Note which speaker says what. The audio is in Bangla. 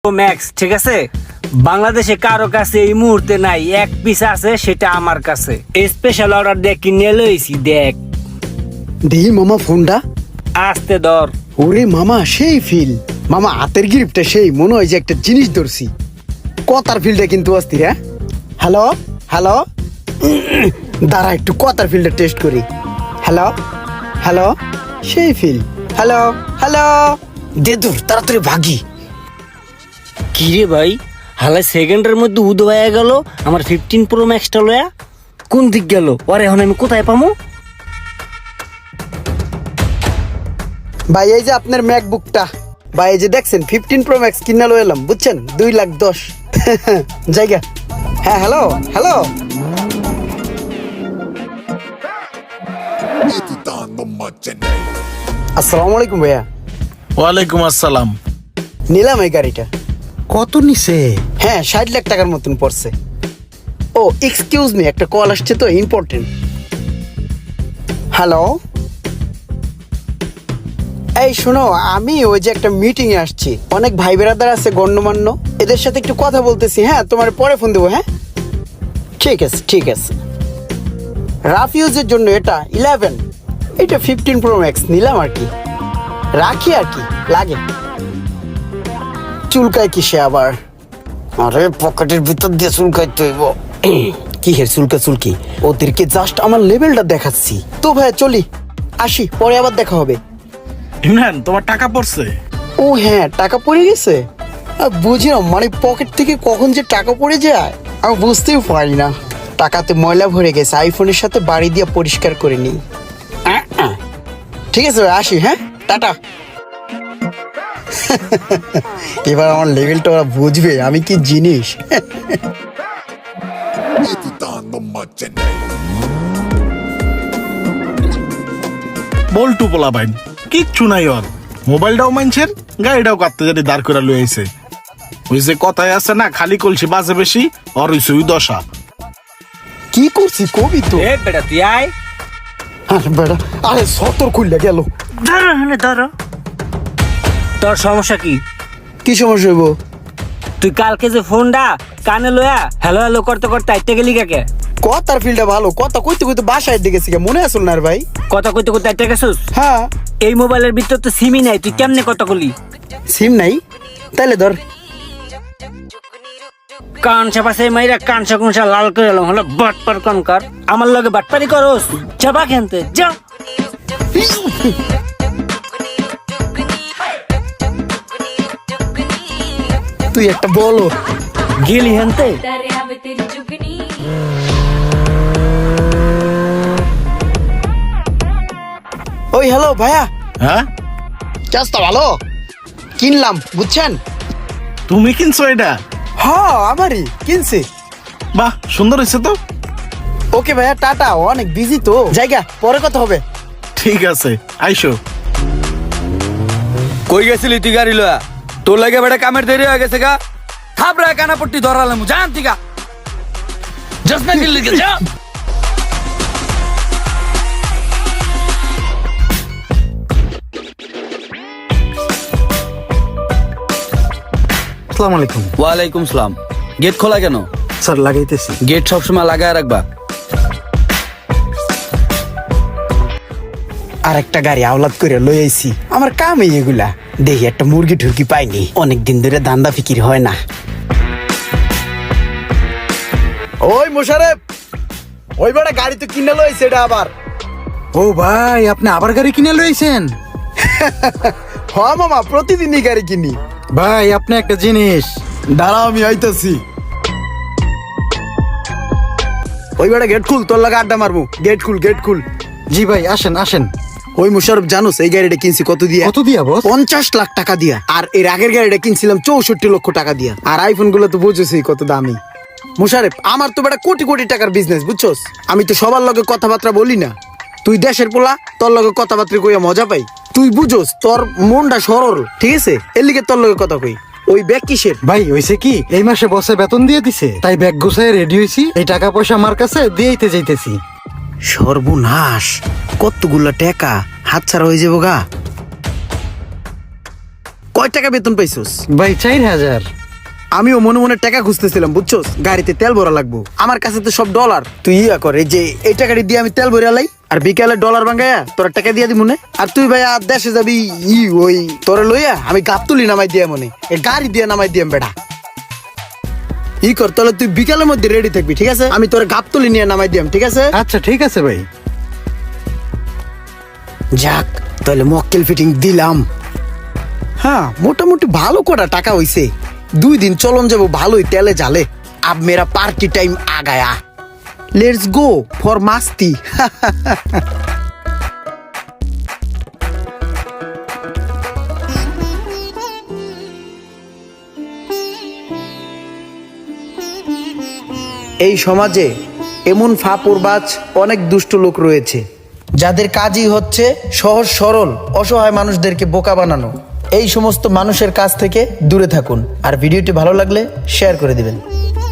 Speaker 1: ম্যাক্স, ঠিক আছে? বাংলাদেশে কারো কাছে এই মুহূর্তে নাই, এক পিস আছে, সেটা আমার কাছে। স্পেশাল অর্ডার দিয়ে কিনে লইছি, দেখ।
Speaker 2: দেহি মামা ফোনটা।
Speaker 1: আস্তে ধর।
Speaker 2: ওরে মামা সেই ফিল, মামা হাতের গ্রিপটা সেই, মনে হয় যে একটা জিনিস ধরছি। কথার ফিলটা কিন্তু অস্থির। হ্যাঁ, হ্যালো হ্যালো, দাঁড়া একটু কথার ফিলটা টেস্ট করি। হ্যালো হ্যালো, সেই ফিল। হ্যালো হ্যালো, দে দূর তাড়াতাড়ি ভাগি।
Speaker 1: কি রে ভাই, হালাই সেকেন্ডের মধ্যে উদো হয়ে গেল আমার 15 প্রো ম্যাক্সটা লয়া। কোন দিক গেল? ওরে এখন আমি কোথায় পামু?
Speaker 2: ভাই এই যে আপনার ম্যাকবুকটা, ভাই এই যে দেখছেন 15 প্রো ম্যাক্স কিনা লো এলাম, বুঝছেন? 2,10,000 জায়গা। হ্যাঁ হ্যালো হ্যালো, আসসালামু আলাইকুম ভাইয়া।
Speaker 3: ওয়ালাইকুম আসসালাম।
Speaker 2: নিলাম এই গাড়িটা।
Speaker 3: কত নিছে?
Speaker 2: হ্যাঁ 60 লাখ টাকার মতন পড়ছে। ও এক্সকিউজ মি, একটা কল আসছে তো, ইম্পর্টেন্ট। হ্যালো, এই শোনো, আমি ওই যে একটা মিটিং এ আসছি, অনেক ভাই বেরাদার আছে গণ্যমান্য, এদের সাথে একটু কথা বলতেছি। হ্যাঁ তোমার পরে ফোন দেবো। হ্যাঁ ঠিক আছে ঠিক আছে। রাফ ইউজের জন্য এটা 11, এটা 15 প্রো ম্যাক্স নিলাম আর কি, রাখি আর কি লাগে। চুলকায় কিসে আবার? আরে পকেটের ভিতর দিয়ে চুলকাইতে হইব। কি হের চুলকা চুলকি, ওদেরকে জাস্ট আমার লেভেলটা দেখাচ্ছি তো। ভাই চলি, আসি, পরে আবার দেখা হবে।
Speaker 3: ইমরান, তোমার টাকা পড়ছে?
Speaker 2: ও হ্যাঁ, টাকা পড়ে গেছে। বুঝি না, মানে পকেট থেকে কখন যে টাকা পড়ে যায় আমি বুঝতেই পারি না। টাকাতে ময়লা ভরে গেছে, আইফোনের সাথে বাড়ি দিয়ে পরিষ্কার করে নিই। ঠিক আছে ভাই, আসি। হ্যাঁ টাটা। এবার আমার লেভেলটা ওরা বুঝবে আমি কি জিনিস।
Speaker 3: বল্টু পোলা বাইন, কিচ্ছু নাই ওর। মোবাইলটাও মানছেন, গাড়িটাও কাটতে জানি দাঁড় করে লইছে। ওই যে কথায় আছে না, খালি কলসি বাজে বেশি, ওর হইছে ওই দশা।
Speaker 2: কি করছি কবি তো।
Speaker 1: এ বেটা তুই আয়।
Speaker 2: আরে বেটা, আরে সতর খুললে গেল।
Speaker 1: ধরো হ্যাঁ ধরো। তোর সমস্যা কি?
Speaker 2: কি সমস্যা হইব?
Speaker 1: তুই কালকে যে ফোনটা কানে লয়া হ্যালো হ্যালো করতে করতে আইতে গেলি কাকে?
Speaker 2: কথার ফিল্ডটা ভালো, কথা কইতে কইতে বাসায় দিকে মনে আসল না রে ভাই।
Speaker 1: কথা কইতে কইতে আইতে গেছিস?
Speaker 2: হ্যাঁ।
Speaker 1: এই মোবাইলের ভিতর তো সিমই নাই, তুই কেমনে কথা বলি?
Speaker 2: সিম নাই? তাইলে ধর।
Speaker 1: কানসা পাশে মাইরা কানসা কুনসা লাল করে এলাম, হলো বাটপার কনকার। আমার লগে বাটপারি করস? চাপা খেনতে যা।
Speaker 2: তুই একটা বলো।
Speaker 1: গেলি হেনতে।
Speaker 2: ওই হ্যালো ভাইয়া,
Speaker 3: হ্যাঁ,
Speaker 2: চাষটা ভালো কিনলাম, বুঝছেন?
Speaker 3: তুমি কিনছো এটা?
Speaker 2: হ্যাঁ আমারই কিনছি।
Speaker 3: বাহ, সুন্দর হয়েছে তো।
Speaker 2: ওকে ভাইয়া, টাটা, অনেক বিজি তো, জায়গা পরে কথা হবে।
Speaker 3: ঠিক আছে, আইসো।
Speaker 4: কই গেছিলি তুই গাড়ি লয়া? তোর লাগে বেটা কামের দেরি হয়ে গেছে গা। থাপড়া কানাপট্টি ধরালাম, জান তিকা জাস্ট না গিল লিখে যা।
Speaker 2: আসসালামু আলাইকুম।
Speaker 4: ওয়ালাইকুম সালাম। গেট খোলা কেন?
Speaker 2: স্যার লাগাইতেছি।
Speaker 4: গেট সবসময় লাগায় রাখবা।
Speaker 2: আর একটা গাড়ি আওলাদ করে লই আইছি, আমার কামই এগুলা। দেখি একটা মুরগি ঠুরকি পাইনি, অনেকদিন ধরে দান্দা ফিকির হয় না। ওই মোশারেফ, ওই বেটা গাড়ি তো কিনে লইছে এটা আবার।
Speaker 5: ও ভাই, আপনি আবার গাড়ি কিনে লইছেন?
Speaker 2: হ মামা, প্রতিদিনই গাড়ি কিনি।
Speaker 5: ভাই আপনি একটা জিনিস,
Speaker 2: দাঁড়াও আমি আইতাছি। ওই বেটা গেট খুল, তোর লাগে আড্ডা মারবো। গেট খুল, গেট খুল।
Speaker 5: জি ভাই আসেন আসেন।
Speaker 2: ওই মুশারফ, জানোস এই গাড়িটা কিনছি কত দিয়া?
Speaker 5: কত দিয়া বস?
Speaker 2: 50 লাখ টাকা দিয়া। আর এর আগের গাড়িটা কিনছিলাম 64 লক্ষ টাকা দিয়া। আর আইফোন গুলো তো বুঝেছি কত দামি। মুশারফ, আমার তো বেটা কোটি কোটি টাকার বিজনেস, বুঝছস? আমি তো সবার লগে কথাবার্তা বলি না। তুই দেশের পোলা, তোর লগে কথাবার্তা কইয়া মজা পাই। তুই বুঝোস, তোর মনটা সরল, ঠিক আছে? এর লিগে তোর লগে কথা কই। ওই ব্যাগ কিসের?
Speaker 5: ভাই হইছে কি, এই মাসে বসে বেতন দিয়ে দিছে, তাই ব্যাগ গুছায় রেডি হইছি। এই টাকা পয়সা আমার কাছে দিয়েইতে যাইতেছি।
Speaker 2: সর্বনাশ, কতগুলা টাকা হাতছাড়া হয়ে যাবো গা। কয় টাকা বেতন পাইছস?
Speaker 5: ভাই 4000।
Speaker 2: আমিও মনে মনে টাকা খুঁজতেছিলাম বুঝছস, গাড়িতে তেল ভরা লাগবো। আমার কাছে তো সব ডলার। তুই ইয়া করে যে এই টাকাটি দিয়ে আমি তেল ভরে আলাই, আর বিকালে ডলার ভাঙ্গায়া তোরা টাকা দিয়ে দি মনে। আর তুই ভাই আর দেশে যাবি ওই তোরে লইয়া আমি গাবতুলি নামাই দিয়া মনে, এ গাড়ি দিয়ে নামাই দিয়াম বেটা। কর তাহলে তুই বিকালের মধ্যে রেডি থাকবি, ঠিক আছে? আমি তোরে গাবতুলি নিয়ে নামাই দিয়াম, ঠিক আছে?
Speaker 5: আচ্ছা ঠিক আছে ভাই।
Speaker 2: যাক তাহলে মক্কেল ফিটিং দিলাম। হ্যাঁ মোটামুটি ভালো কটা টাকা হইছে। 2 দিন চলন যাবো ভালোই তেলে জালে। আব মেরা পার্টি টাইম আ গায়া। লেটস গো ফর মাস্তি। এই সমাজে এমন ফাপড়বাজ অনেক দুষ্ট লোক রয়েছে, যাদের কাজই হচ্ছে সহজ সরল অসহায় মানুষদেরকে বোকা বানানো। এই সমস্ত মানুষের কাছ থেকে দূরে থাকুন, আর ভিডিওটি ভালো লাগলে শেয়ার করে দিবেন।